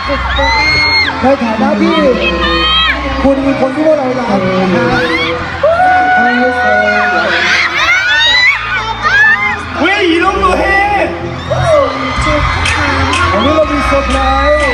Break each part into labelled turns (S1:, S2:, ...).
S1: ในฐานะที่คุณคือคนที่พวกเรารักนะ
S2: 왜 이런 거 해?
S1: วันนี้เรามีเซอร์ไพรส์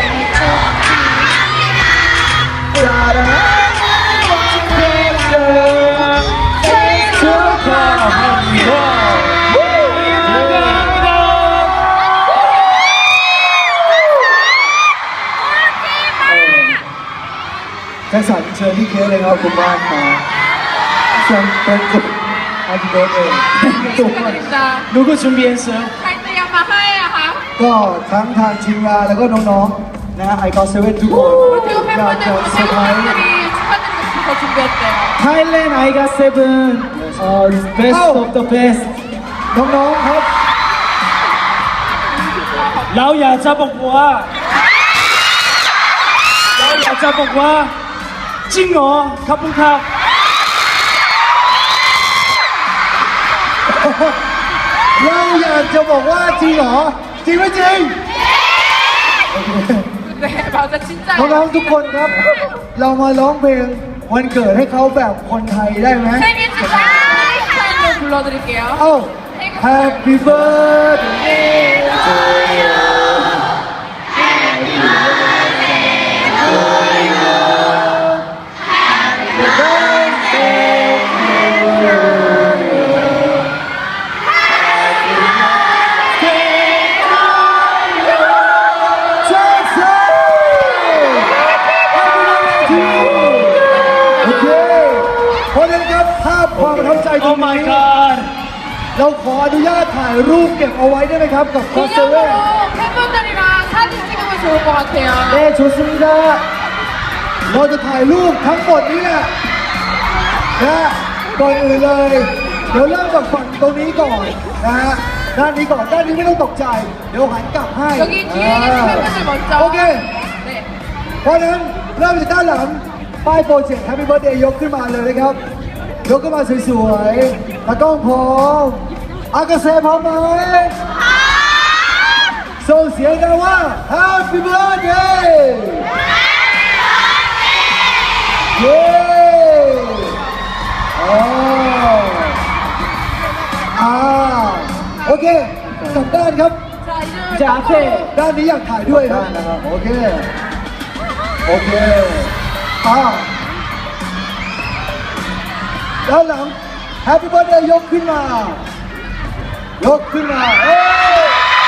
S1: แจ็คสันเชิญที่เค้กเลยครับคุณบ้านมาเชิญเป็นจุดอาจิโดเองจุด
S2: 누구 준비했어요?
S3: ใครเตรียมมาให้อะคะ
S1: ก็ทั้งทางทีมงานแล้วก็น้องๆนะไอคอนเซเว่นทุกคน
S3: 그리고
S1: อยากจะ
S3: 팬분들
S1: เซอร์ไพรส์
S3: 팬분들이 축하드리고 싶어서 준비했대요.
S2: Thailand I got seven. Best
S1: Oh.
S2: of the best.
S1: น้องๆครับ
S2: เราอยากจะบอกว่าจริงเหรอครับคุณครับ
S1: เราอยากจะบอกว่าจริงเหรอจริงไม่จริง
S3: 네, 맞아, 진짜요.
S1: น้องๆทุกคนครับ เรามาร้องเพลงวันเกิดให้เขาแบบคนไทยได้ไหม
S3: 생일 축하해! 스타일로 불러드릴게요.
S1: เอ้า Happy birthday to you Happy birthday to you Jackson Happy birthday to you โอเคเพราะฉะนั้นครับภาพความประทับใจตรง
S2: Oh my
S1: นี้
S2: god.
S1: เราขออนุญาตถ่ายรูปเก็บเอาไว้ได้ไหมครับกับคอนเสิร์ต
S3: 기념으로 팬분들이랑 사진 찍으면 좋을 것 같아요.
S1: เน่ชูซิมิดาเราจะถ่ายรูปทั้งหมดนี้แหละนะก่อนอื่นเลย เดี๋ยวเริ่มจากฝั่งตรงนี้ก่อนนะฮะด้านนี้ก่อนด้านนี้ไม่ต้องตกใจ เดี๋ยวหันกลับให้
S3: 여기 뒤에 계신 팬분들 먼저.
S1: โอเค
S3: 네.
S1: เพราะฉะนั้นเริ่มจากด้านหลังป้ายโปรเจกต์ Happy Birthday ยกขึ้นมาเลยนะครับ ยกขึ้นมาสวยๆตากล้องพร้อมอากาเซ่พร้อมไหมส่งเสียงดังว่า Happy Birthday เย้โอเคกลับด้านครับ
S3: 자, 이제
S2: 자, 앞에.
S1: ด้านนี้อยากถ่ายด้วยครับโอเค โอเคด้านหลัง Happy Birthday ยกขึ้นมา ยกขึ้นมาเอ้ย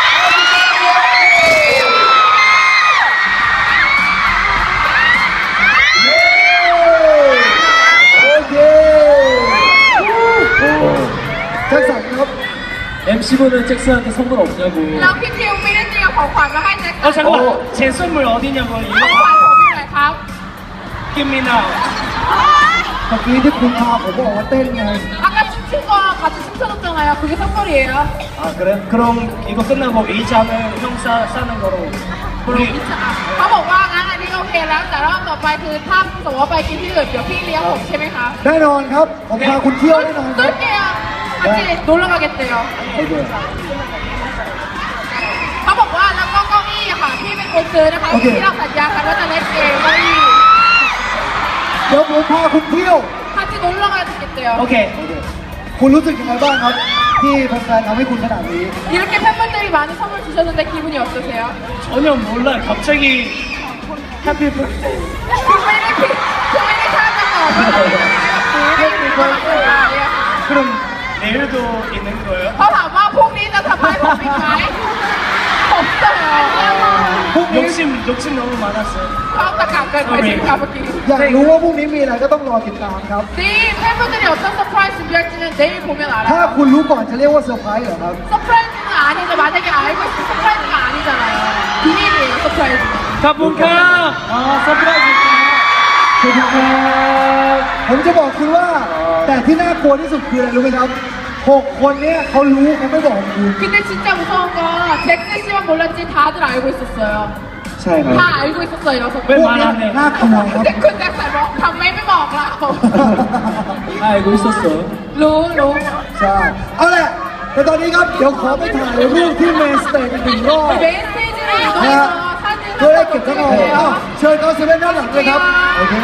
S1: เย้โอเคแจ็คสันครับ
S2: MC분은 잭슨한테 선물 없냐고.
S3: แล้วพี่ทิวไม่ได้เตรียมของขวัญมาให้แจ็คสัน
S2: 잠깐만. 제 선물 어디냐고.
S3: ของ
S2: 이거
S3: ขวัญผมอยู่ไหนครับ
S2: Give me now.
S1: เมื่อกี้ที่คุณพาผมบอกว่าเต้นไง
S3: 아까 춤춘 거 같이 춤춰줬잖아요. 그게 선물이에요.
S2: 아 그래? 그럼 이거 끝나고 A자는 형 싸는 거로. 우리
S3: เขาบอกว่างั้นอันนี้โอเคแล้ว แต่รอบต่อไปคือถ้าสมมติว่าไปกินที่อื่นเดี๋ยวพี่เลี้ยงผมใช่ไหมคะ
S1: แน่นอนครับ ผมพาคุณเที่ยวแน่นอนครับ
S3: 쏠게요. 같이 놀러 가겠대요.
S1: โอเค
S3: เขาบอกว่าแล้วก็เก้าอี้อะค่ะพี่เป็นคนซื้อนะคะ
S1: โอเค
S3: ที่เราสัญญากันว่าจะเล่นเองเก้าอี้
S1: เดี๋ยวผมพาคุณเที่ยว
S3: 같이 놀러 가겠대요.
S2: 오케이.
S1: คุณรู้สึกยังไงบ้างครับ ที่แฟนๆทำให้คุณขนาดนี้
S3: 이렇게 팬분들이 많은 선물 주셨는데 기분이 어떠세요?
S2: 전혀 몰라요. 갑자기 해피 birthday.
S3: คือไม่ได้คาดมาก่อนว่าจะเป็นไม่มีคนเกิดมาเนี่ย
S2: 그럼 내일도 있는 거예요?
S3: เขาถามว่าพรุ่งนี้จะทำให้ผมอีกไหมผมเสนอ
S1: พรุ่งนี้
S2: 욕심 너무 많았어요.
S3: เขาตะกาบเกินไปใช่ไหมคะเมื่อกี้
S1: อยากรู้ว่าพรุ่งนี้มีอะไรก็ต้องรอติดตามครับ
S3: 네, 팬분들이 어떤 서프라이즈 준비할지는 내일 보면
S1: ถ้า
S3: 알아요.
S1: คุณรู้ก่อนจะเรียกว่าเซอร์ไพรส์เหรอครับ
S3: 서프라이즈는 아니죠. 만약에 알고 있으면 서프라이즈가 아니잖아요. 비밀이에요, 서프라이즈는.
S2: 가분카! 아, 서프라이즈.
S1: คุณครับผมจะบอกคุณว่า แต่ที่น่ากลัวที่สุดคืออะไรรู้ไหมครับ 6 คนเนี้ยเขารู้เขาไม่บอกคุณ
S3: 근데 진짜 무서운 건 잭슨 씨만 몰랐지 다들 알고 있었어요.
S1: ใช่ครับ
S3: 다 알고 있었어요, 이런
S1: พวก
S3: 서프라이즈.
S1: เนี้ยน่ากลัวครับ
S3: 근데 그 잭슨 뭐 감매ไม่บอกเรา
S2: 알고 있었어.
S3: รู้
S1: ใช่ เอาแหละแต่ตอนนี้ครับ เดี๋ยวขอไปถ่ายรูปที่เมนสเตจอีกหนึ่งรอบ
S3: 메인 스테이지로
S1: นะฮะ
S3: 이동해서 사진을
S1: เพื่อให้
S3: 한번
S1: เก็บซะก่อนอ้าวเชิญเขาเซเว่นด้านหลังเลยครับโอเค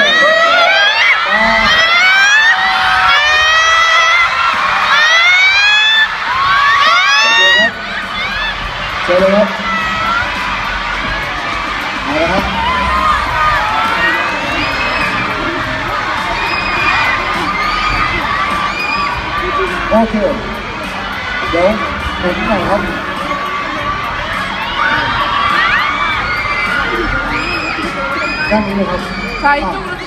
S1: เชิญเลยครับเอาละครับโอเคเดี๋ยวหมุนหน่อยครับด้านนี้เลยครับ
S3: 자, 이쪽으로